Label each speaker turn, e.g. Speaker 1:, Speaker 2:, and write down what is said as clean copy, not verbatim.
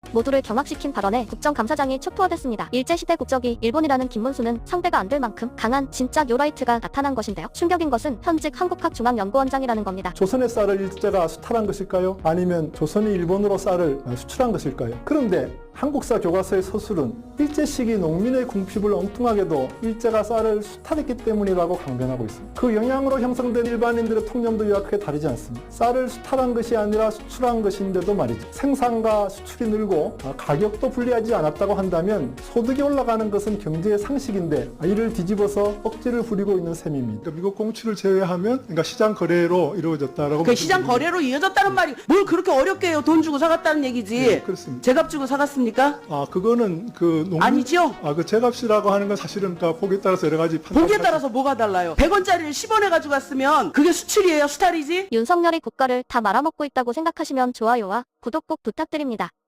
Speaker 1: 모두를 경악시킨 발언에 국정감사장이 촉투어댔습니다. 일제시대 국적이 일본이라는 김문수는 상대가 안 될 만큼 강한 진짜 요라이트가 나타난 것인데요. 충격인 것은 현직 한국학중앙연구원장이라는 겁니다.
Speaker 2: 조선의 쌀을 일제가 수탈한 것일까요? 아니면 조선이 일본으로 쌀을 수출한 것일까요? 그런데 한국사 교과서의 서술은 일제 시기 농민의 궁핍을 엉뚱하게도 일제가 쌀을 수탈했기 때문이라고 강변하고 있습니다. 그 영향으로 형성된 일반인들의 통념도 이와 크게 다르지 않습니다. 쌀을 수탈한 것이 아니라 수출한 것인데도 말이죠. 생산과 수출이 늘고 가격도 불리하지 않았다고 한다면 소득이 올라가는 것은 경제의 상식인데 이를 뒤집어서 억지를 부리고 있는 셈입니다.
Speaker 3: 그러니까 미국 공출을 제외하면 그러니까 시장 거래로 이루어졌다라고.
Speaker 4: 그 시장 거래로 이어졌다는 말이 뭘 그렇게 어렵게 해요? 돈 주고 사갔다는 얘기지.
Speaker 3: 네, 그렇습니다.
Speaker 4: 제값 주고 사갔습니까?
Speaker 3: 그거는 그 농민
Speaker 4: 아니죠?
Speaker 3: 그 제값이라고 하는 건 사실은 그러니까 보기에 따라서 여러 가지
Speaker 4: 보기에 따라서 뭐가 달라요? 100원짜리를 10원에 가지고 갔으면 그게 수출이에요? 수탈이지?
Speaker 1: 윤석열이 국가를 다 말아먹고 있다고 생각하시면 좋아요와 구독 꼭 부탁드립니다.